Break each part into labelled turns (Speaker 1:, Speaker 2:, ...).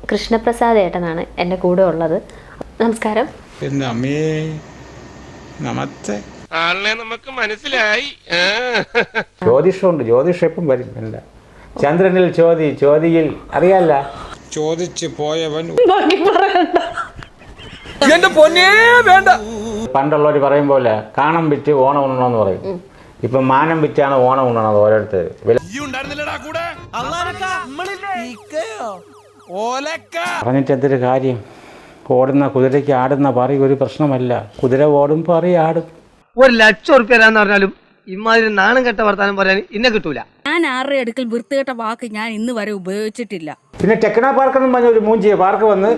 Speaker 1: കൃഷ്ണപ്രസാദ് ഏട്ടനാണ് എൻ്റെ കൂടെ ഉള്ളത്. നമസ്കാരം.
Speaker 2: എൻ്റെ അമ്മേ നമസ്തേ.
Speaker 3: ആളിനെ നമുക്ക് മനസ്സിലായി.
Speaker 4: ജ്യോതിഷമുണ്ട്, ജ്യോതിഷം എപ്പം വരും. അല്ല ചന്ദ്രനിൽ ചോതിയിൽ അറിയാല്ല.
Speaker 2: ചോദിച്ചു പോയവൻ
Speaker 3: എന്റെ പൊന്നേ വേണ്ട.
Speaker 4: പണ്ടുള്ളവർ പറയും പോലെ കാണം വിറ്റ് ഓണം ഉണ്ണണമെന്ന് പറയും. ഇപ്പം മാനം വിറ്റാണ് ഓണം ഉണ്ണണത് ഓരോരുത്തർ. പറഞ്ഞിട്ട് എന്തൊരു കാര്യം? ഓടുന്ന കുതിരയ്ക്ക് ആടുന്ന പറി ഒരു പ്രശ്നമല്ല. കുതിര ഓടും പറി ആടും.
Speaker 5: 1,00,000 ഉറുപ്പ്യ തരാന്ന് പറഞ്ഞാലും ഇമാതിരി നാണം കെട്ട വർത്താനം പറയാൻ ഇന്നെ കിട്ടൂല.
Speaker 6: ഞാൻ ആരുടെ അടുക്കൽ വൃത്തികെട്ട വാക്ക് ഞാൻ ഇന്ന് വരെ ഉപയോഗിച്ചിട്ടില്ല.
Speaker 4: പിന്നെ ടെക്നോ പാർക്ക് എന്നും പറഞ്ഞ ഒരു മൂഞ്ചിയ പാർക്ക് വന്ന്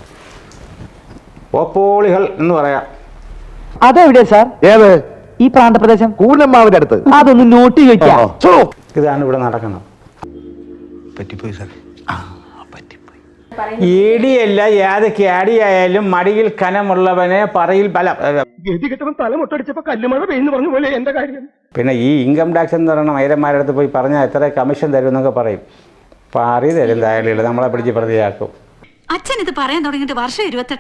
Speaker 4: ഓപ്പോളികൾ എന്ന് പറയാം.
Speaker 7: അതെവിടെയാ സാർ? ഏത്? ഈ പ്രാന്തപ്രദേശം കൂലമ്മാവിന്റെ അടുത്ത്. അതൊന്ന് നോട്ട് വെക്കാം.
Speaker 4: ഇതാണ് ഇവിടെ നടക്കുന്നത്.
Speaker 2: പറ്റിപ്പോയി സാർ.
Speaker 4: ഏടിയല്ല ഏത് ക്യാടിയായാലും മടിയിൽ കനമുള്ളവനെ പറയിൽ പിന്നെ ഈ ഇൻകം ടാക്സ് എന്ന് പറയുന്ന മൈരന്മാരുടെ അടുത്ത് പോയി പറഞ്ഞാൽ എത്ര കമ്മീഷൻ തരും എന്നൊക്കെ പറയും. പറി തരും തായാലും നമ്മളെ പിടിച്ച് പ്രതിയാക്കും.
Speaker 6: അച്ഛൻ ഇത് പറയാൻ തുടങ്ങിയിട്ട് വർഷം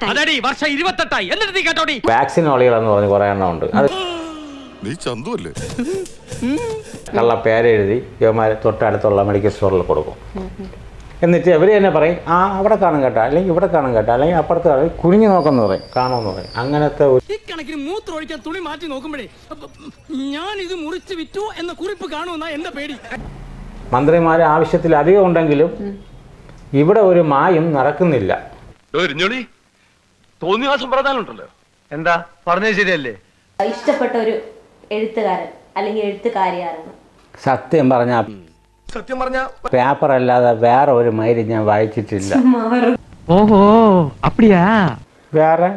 Speaker 5: 28
Speaker 4: വാക്സിൻ ഒളികളെന്ന് പറഞ്ഞ് കുറേ എണ്ണം ഉണ്ട്. അത് കള്ള പേരെഴുതി യുവമാർ തൊട്ടടുത്തുള്ള മെഡിക്കൽ സ്റ്റോറിൽ കൊടുക്കും. എന്നിട്ട് അവർ തന്നെ പറയും അവിടെ കാണും കേട്ടോ, അല്ലെങ്കിൽ ഇവിടെ കാണും കേട്ടോ, അല്ലെങ്കിൽ അപ്പുറത്ത് കാണും, കുനിഞ്ഞു നോക്കെന്ന് പറയും, കാണുമെന്ന് പറയും. അങ്ങനത്തെ
Speaker 8: ഇക്കണക്കിന് മൂത്രമൊഴിക്കാൻ തുണി മാറ്റി നോക്കുമ്പോഴേ ഞാൻ ഇത് മുറിച്ച് വിറ്റു എന്ന കുറിപ്പ് കാണുമെന്നാ എന്റെ പേടി.
Speaker 4: മന്ത്രിമാർ ആവശ്യത്തിലധികം ഉണ്ടെങ്കിലും ഇവിടെ ഒരു മായും നടക്കുന്നില്ല.
Speaker 3: തോന്നിയാസംപ്രദാനമുണ്ടല്ലോ.
Speaker 5: എന്താ പറഞ്ഞത് ശരിയല്ലേ?
Speaker 1: ഇഷ്ടപ്പെട്ട ഒരു എഴുത്തുകാരൻ അല്ലെങ്കിൽ എഴുത്തുകാരിയാരാണ്?
Speaker 4: സത്യം പറഞ്ഞാൽ പേപ്പർ അല്ലാതെ വേറെ ഒരു മൈല് ഞാൻ വായിച്ചിട്ടില്ല.
Speaker 7: ഓഹോ അപ്പടിയാ?
Speaker 4: വേറെ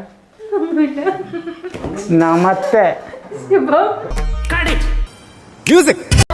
Speaker 4: നമസ്തേ.